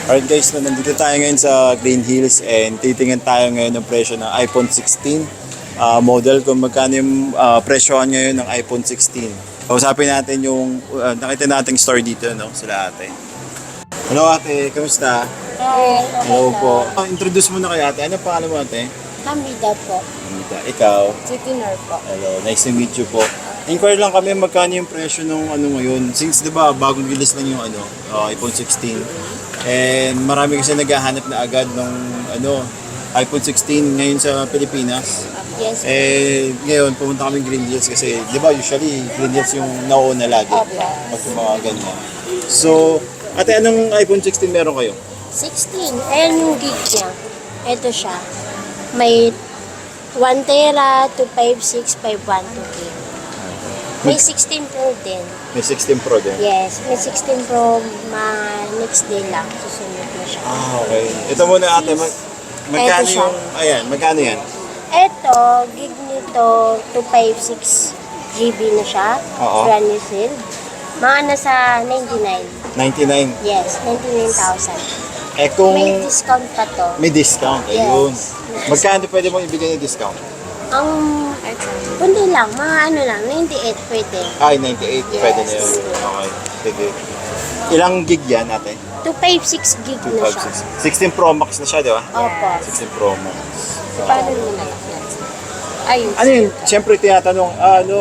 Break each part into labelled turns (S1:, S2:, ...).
S1: Alright guys, nandito tayo ngayon sa Green Hills and titingnan tayo ngayon ng presyo ng iPhone 16 model, kung magkano yung presyohan ngayon ng iPhone 16. Kausapin natin yung nakita nating store dito, no, sila ate. Hello ate, kamusta?
S2: Hi.
S1: Hello po. Introduce mo na kay ate. Ano pangalan mo ate?
S2: Hamida po.
S1: Anita. Ikaw?
S2: Chitinor po.
S1: Hello, nice to meet you po. Inquire lang kami magkano yung presyo ng ano ngayon. Since 'di ba bagong release lang yung iPhone 16. And marami kasi naghahanap na agad ng iPhone 16 ngayon sa Pilipinas.
S2: Yes.
S1: Ngayon pumunta kami Green Hills kasi 'di ba usually Green Hills yung nauna lagi.
S2: Opo.
S1: Pag yung mga ganyan. So, ate, anong iPhone 16 meron kayo?
S2: 16. Ayan yung gig niya. Ito siya. May 1 tera, 256, 512 gig. May 16 Pro din.
S1: May 16 Pro din.
S2: Yes. May 16 Pro next day lang. Susunod na siya.
S1: Okay. Ito muna ate, magkano
S2: Ito siya.
S1: yung, magkano yan?
S2: Ito, gig nito, 256 GB na siya.
S1: Oo.
S2: Brand new seal. Mga nasa 99.
S1: 99.
S2: Yes, 99,000.
S1: Kung
S2: May discount pa to.
S1: may discount,
S2: Yes.
S1: ayun. Magkano pwede mong ibigay ng discount?
S2: Ang kundi lang, mga ano lang, 98 pwede.
S1: Ay, 98.
S2: Yes.
S1: Pwede na yun. Okay. Sige. Ilang gig yan ate?
S2: 256 gig na siya.
S1: 16 Pro Max na siya, di ba?
S2: Opo.
S1: 16 Pro Max.
S2: Paano nila? Ayun.
S1: Ano yun? Siyempre tinatanong,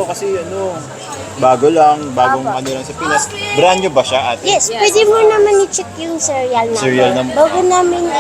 S1: bagong
S2: Apo.
S1: lang sa Pinas. Brand new ba siya ate?
S2: Yes, pwede mo naman i-check yung serial number.
S1: Serial number.
S2: Bago namin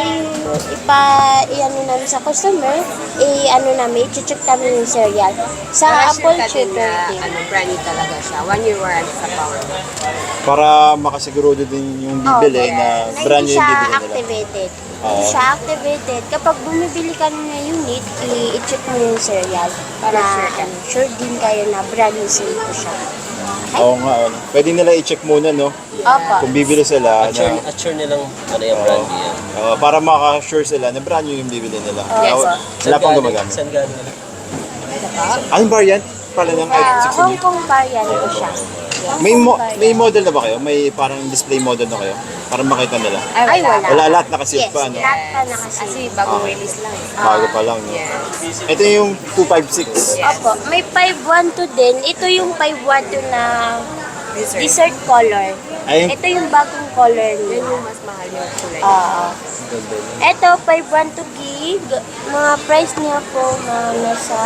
S2: i-ano namin sa customer, i-check namin yung serial. Sa Apple Tutor din.
S3: Brand new talaga siya. 1 year warranty sa power.
S1: Para makasigurado din yung bibili na brand new yung
S2: Hindi siya
S1: bibili nila.
S2: activated.
S1: Oo.
S2: Hindi siya activated. Kapag bumibili ka ng unit, i-check mo yung serial.
S3: Para
S2: na,
S3: sure ka.
S2: Sure din kayo na brand new sale ko siya. Okay?
S1: Oo nga. Pwede nila i-check muna, no?
S2: Opo.
S1: Kung bibili sila.
S4: At sure nilang ano yung brand new yan.
S1: Para maka-sure sila na brand new yung bibili nila.
S2: Yes.
S1: Wala pang gumagamit.
S4: Saan galing?
S1: Anong variant pala ng iPhone 16?
S2: Hong Kong variant ko siya. Yes,
S1: May
S2: Hong Kong variant.
S1: may model na ba kayo? May parang display model na kayo? Para makita nila.
S2: Ay, wala.
S1: Wala, lahat nakasil
S2: Yes,
S1: pa, no?
S2: lahat pa nakasave.
S3: Kasi bagong release lang.
S1: Bago pa lang, no?
S3: Yes.
S1: Ito yung 256.
S2: Opo, may 512 din. Ito yung 512 na dessert color.
S1: Ay,
S2: Ito yung bagong color
S3: Yun
S2: niya.
S3: yung mas mahal yung kulay.
S2: Oo. Ito, 512 gig. Mga price niya po na nasa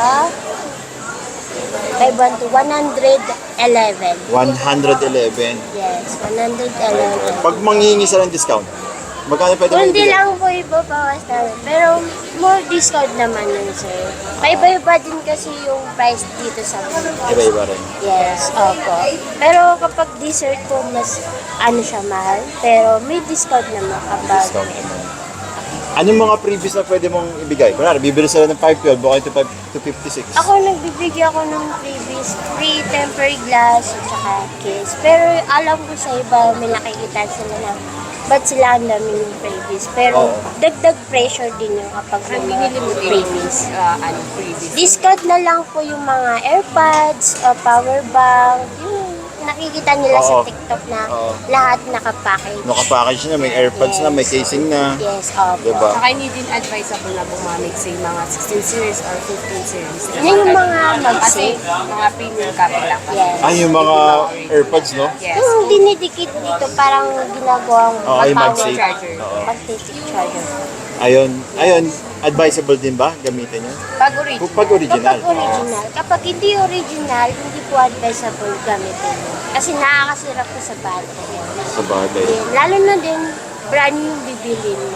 S2: 111.
S1: 111.
S2: Yes, 111.
S1: Pag manghihingi sila ng discount, magkano pwede mo
S2: Kundi
S1: ibigay?
S2: lang po ibabawas namin. Pero more discount naman yun, sir. Paiba-iba din kasi yung price dito sa Pilipinas.
S1: Iba-iba rin.
S2: Yes, opo. Pero kapag dessert po, mas siya mahal. Pero may discount naman kapag
S1: Discount naman. Anong mga previous na pwede mong ibigay? Kunwari, bibili sila ng 512, baka ito 256.
S2: ako nagbibigay ako ng previous free tempered glass at saka case. Pero alam ko sa iba, may nakikita sila na ba't sila ang dami ng previous. Pero
S1: Oo.
S2: dagdag pressure din yung kapag
S3: Ang
S2: mga
S3: binili mo din
S2: previous.
S3: previous.
S2: Discount na lang po yung mga AirPods, power bank, yung nakikita nila sa
S1: Oo.
S2: TikTok na
S1: Oo.
S2: lahat nakapackage.
S1: Naka-package na, may AirPods na, may casing na.
S2: Yes, opo.
S1: Diba?
S3: Saka hindi din advisable na bumamig sa mga 16 series or 15 series.
S2: Yan yung mga
S3: Kasi
S2: mag-save.
S3: mga premium copy lang.
S2: Yes.
S1: Ay, yung mga AirPods, no?
S3: Yes.
S2: Yung dinidikit dito, parang ginagawang
S1: Oo, yung
S2: power
S1: MagSafe.
S3: charger.
S1: Oo.
S2: Magnetic charger.
S1: Ayun, advisable din ba gamitin yun?
S3: Pag original.
S1: Pag original.
S2: Kapag original. Kapag hindi original, hindi po advisable gamitin. Kasi nakakasira po sa battery.
S1: Sa bagay.
S2: Then, lalo na din, brand new yung bibilin mo.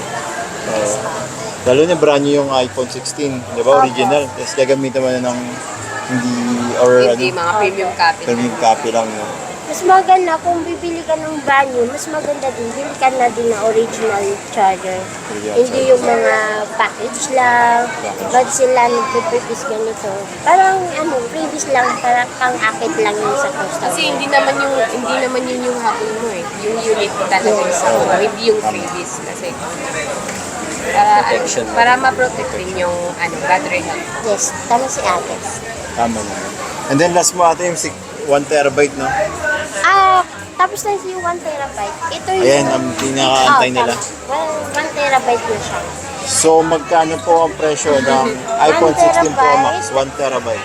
S1: Lalo na brand new yung iPhone 16, di ba? Original. Tapos gagamitin mo na ng hindi, or
S3: Hindi mga premium copy.
S1: premium copy lang. No?
S2: Mas maganda kung bibili ka ng brand new, mas maganda din, bili ka na din na original charger.
S1: Original
S2: Hindi
S1: charger.
S2: yung mga package lang, ba't sila nagpipipis ganito. Parang previous lang, parang pang-akit lang yun sa customer.
S3: Kasi hindi naman yun yung habol mo eh. Yung unit talaga yung sa hindi yung freebies kasi
S4: Protection.
S3: para ma-protect din yung battery health.
S2: Yes, tama si ate.
S1: Tama naman. And then last mo ate yung 1 terabyte, no?
S2: Tapos na yung 1 terabyte. Ito yung...
S1: Ayan, ang pinakaantay nila.
S2: 1 terabyte na siya.
S1: So, magkano po ang presyo ng iPhone 16 Pro Max? 1 terabyte.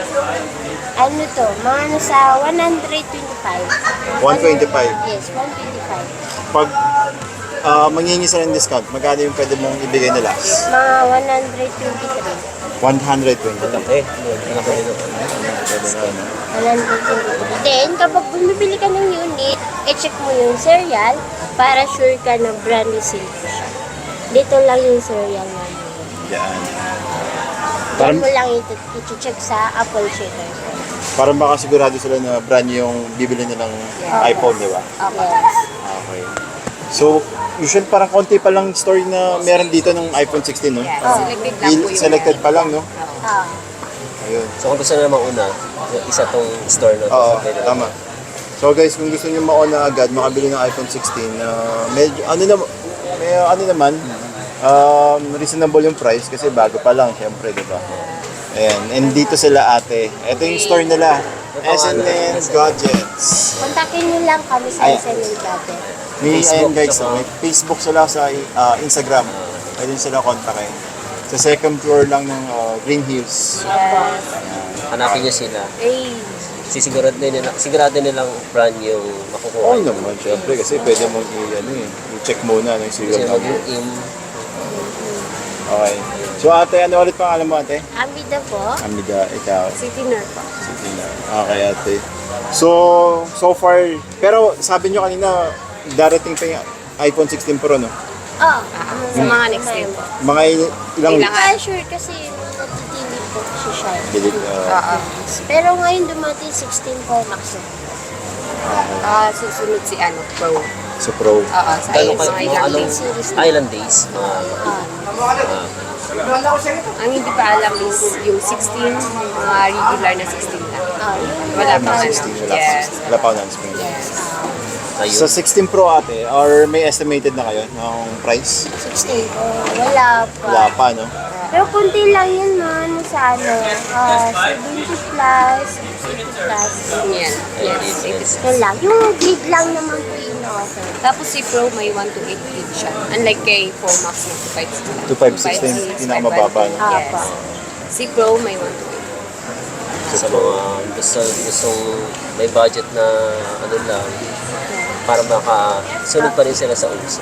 S2: Ano to? Mga nasa 125.
S1: 125.
S2: Yes, 125.
S1: Pag manghingi sila ng discount, magkano yung pwede mong ibigay nila?
S2: Mga 123.
S1: 120.
S4: Malaki. Malaki din ako.
S1: Pwede na, no?
S2: 123. Then, kapag bumibili ka ng unit, i-check mo yung serial para sure ka na brand new seal ko siya. Dito lang yung serial na yun.
S1: Yan.
S2: Yan
S1: Parang,
S2: mo lang i-check sa Apple Checker.
S1: parang baka sigurado sila na brand new yung bibili nilang iPhone, di ba?
S2: Yes.
S1: Okay. So, usually parang konti pa lang story na meron dito ng iPhone 16, no?
S3: Selected lang po yung
S1: Selected pa lang, no?
S2: Ah.
S1: Ayun.
S4: So kung gusto nila mauna, yung isa tong store na to.
S1: Oo,
S4: pwede na.
S1: tama. So guys, kung gusto niyo mauna agad, makabili ng iPhone 16, medyo, ano naman, reasonable yung price kasi bago pa lang, syempre, di ba? Ayan, and dito sila ate. Ito yung store nila, SNN Gadgets.
S2: Kontakin nyo lang kami sa
S1: Ayan.
S2: SNL Gadget.
S1: May,
S4: Facebook,
S1: ayan guys,
S4: tsaka-
S1: may Facebook sila sa Instagram. Pwede nyo sila kontakin. Sa second floor lang ng Green Hills.
S4: Hanapin nyo sila.
S3: Eh,
S4: Sigurado nilang brand yung makukuha.
S1: Oo naman, syempre, kasi pwede mong i-check muna ng
S4: Kasi
S1: serial number.
S4: mag-in.
S1: Okay. So ate, ano ulit pangalan mo ate?
S2: Amida po.
S1: Amiga, ikaw.
S3: City Nerd po.
S1: Sige na. Okay ate. So far, pero sabi nyo kanina, darating pa yung iPhone 16 Pro, no?
S2: Oh,
S3: Sa mga next day po.
S1: Mga ilang
S2: Hindi
S1: weeks?
S2: pa sure kasi natitili po si Shine.
S1: Bilit,
S3: Oo.
S2: Pero ngayon dumating 16 Pro Max na.
S3: Susunod si ano, Pro.
S1: sa Pro.
S3: Oo, sa
S4: Gano'n
S3: mga
S4: kayo?
S3: ilang
S4: Anong
S3: days.
S4: island days?
S3: Ang hindi pa alam is yung 16, mga regular na 16 lang. Wala pa
S1: Mga
S3: ano.
S1: 16, wala,
S3: Yes.
S1: wala pa announcement.
S4: Ayun.
S1: Sa 16 Pro ate, or may estimated na kayo ng price?
S2: 16 Pro, wala pa.
S1: Wala pa, no?
S2: Pero kunti lang yun man sa ano, 70 plus, 80 plus.
S3: Yan. Yes.
S2: Yan lang. Yung grid lang naman po yung offer.
S3: Tapos si Pro may 1 to 8 gig siya. Unlike kay 4 Max na 256.
S1: 256 pinakamababa, no?
S3: Yes.
S2: Apa.
S3: Si Pro may 1 to 8.
S4: Sa mga gustong may budget na ano lang, para makasunod pa rin sila sa uso.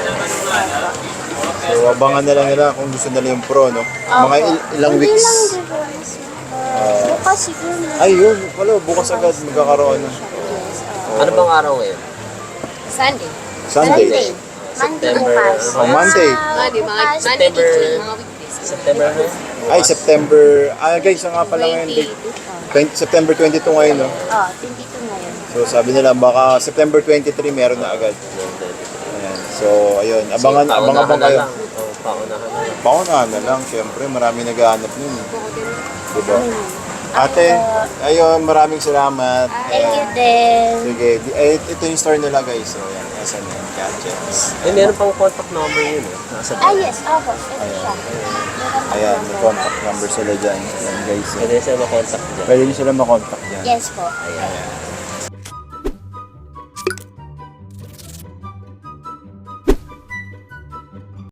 S1: So abangan na lang nila kung gusto nila yung Pro, no? Mga ilang
S2: Hindi
S1: weeks.
S2: lang, di ba? Bukas siguro.
S1: Ay, yun. Wala, bukas agad magkakaroon. No?
S4: Ano bang araw ngayon?
S3: Sunday.
S1: Sunday.
S2: Monday. Monday
S4: September.
S2: bukas.
S1: Oh, Monday.
S3: Monday, mga
S2: bukas.
S3: Monday to
S4: September.
S3: Tuesday, mga weekdays.
S4: September na?
S1: Ay, September. Guys, nga pala ngayon.
S3: 22.
S1: September 22 ngayon, no?
S2: Oh, 22 ngayon.
S1: So sabi nila, baka September 23 meron na agad. Ayan. So, ayun. Abangan
S4: Paunahan na
S1: kayo.
S4: lang. Oo, paunahan na lang.
S1: Paunahan na lang. Siyempre, marami naghahanap nun. Diba? Ate, ayun, maraming salamat.
S2: Thank you din.
S1: Sige, ito yung store nila guys. So, yan, SNN Gadgets.
S4: Eh, meron pang contact number yun eh. Nasa
S2: Yes, opo. Ito siya.
S1: Ayan, may contact number sila dyan. Ayan guys.
S4: Pwede sila makontak dyan.
S1: Pwede nyo sila makontak dyan.
S2: Yes po.
S4: Ayan.